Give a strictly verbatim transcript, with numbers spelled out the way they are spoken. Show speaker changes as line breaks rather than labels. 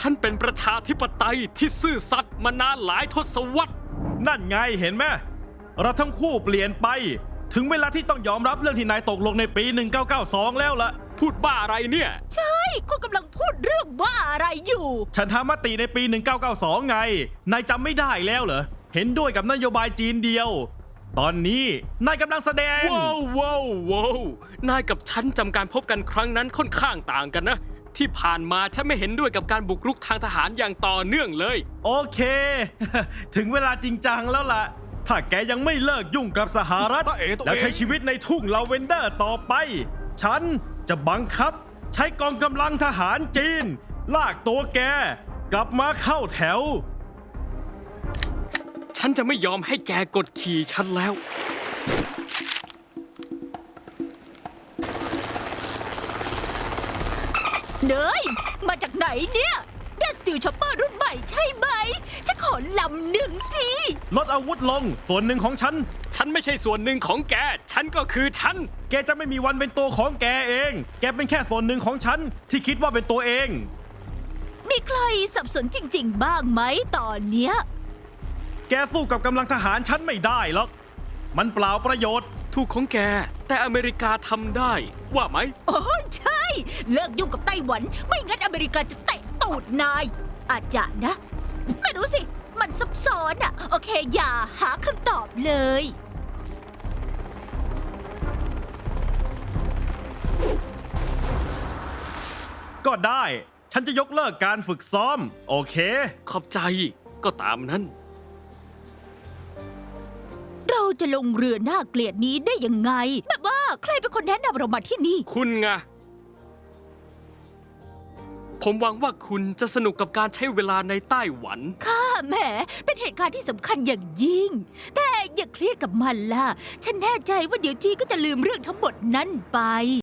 ฉันเป็นประชาธิปไตยที่ซื่อสัตย์มานานหลายทศวรรษ
นั่นไงเห็นไหมเราทั้งคู่เปลี่ยนไปถึงเวลาที่ต้องยอมรับเรื่องที่นายตกลงในปีหนึ่งเก้าเก้าสองแล้วล่ะ
พูดบ้าอะไรเนี่ย
ใช่คุณกำลังพูดเรื่องบ้าอะไรอยู่
ฉันทำมติในปีหนึ่งเก้าเก้าสองไงนายจำไม่ได้แล้วเหรอเห็นด้วยกับนโยบายจีนเดียวตอนนี้นายกำลังแสดง
ว้าวว้าวว้าวนายกับฉันจำการพบกันครั้งนั้นค่อนข้างต่างกันนะที่ผ่านมาฉันไม่เห็นด้วยกับการบุกรุกทางทหารอย่างต่อเนื่องเลย
โอเค ถึงเวลาจริงจังแล้วล่ะถ้าแกยังไม่เลิกยุ่งกับสหรัฐและใช้ชีวิตในทุ่งลาเวนเดอร์ต่อไปฉันจะบังคับใช้กองกำลังทหารจีนลากตัวแกกลับมาเข้าแถว
ฉันจะไม่ยอมให้แกกดขี่ฉันแล้ว
เนยมาจากไหนเนี่ยได้สตีลช็อปเปอร์รุ่นใหม่ใช่ไหมจะขอลำหนึ่งสิ
ลดอาวุธลงส่วนหนึ่งของฉัน
ฉันไม่ใช่ส่วนหนึ่งของแกฉันก็คือฉัน
แกจะไม่มีวันเป็นตัวของแกเองแกเป็นแค่ส่วนหนึ่งของฉันที่คิดว่าเป็นตัวเอง
มีใครสับสนจริงๆบ้างไหมตอนเนี้ย
แกสู้กับกำลังทหารฉันไม่ได้หรอกมันเปล่าประโยชน์
ถูกของแกแต่อเมริกาทำได้ว่าไหม
โอ้ใช่เลิกยุ่งกับไต้หวันไม่งั้นอเมริกาจะเตะตูดนายอาจจะนะไม่รู้สิมันซับซ้อนอะโอเคอย่าหาคำตอบเลย
ก็ได้ฉันจะยกเลิกการฝึกซ้อมโอเค
ขอบใจก็ตามนั้น
เราจะลงเรือน่าเกลียดนี้ได้ยังไงแบบว่าใครเป็นคนแนะนำเรามาที่นี่
คุณไงผมหวังว่าคุณจะสนุกกับการใช้เวลาในไต้หวัน
ค่ะแหมเป็นเหตุการณ์ที่สำคัญอย่างยิ่งแต่อย่าเครียดกับมันล่ะฉันแน่ใจว่าเดี๋ยวจีก็จะลืมเรื่องทั้งหมดนั้นไป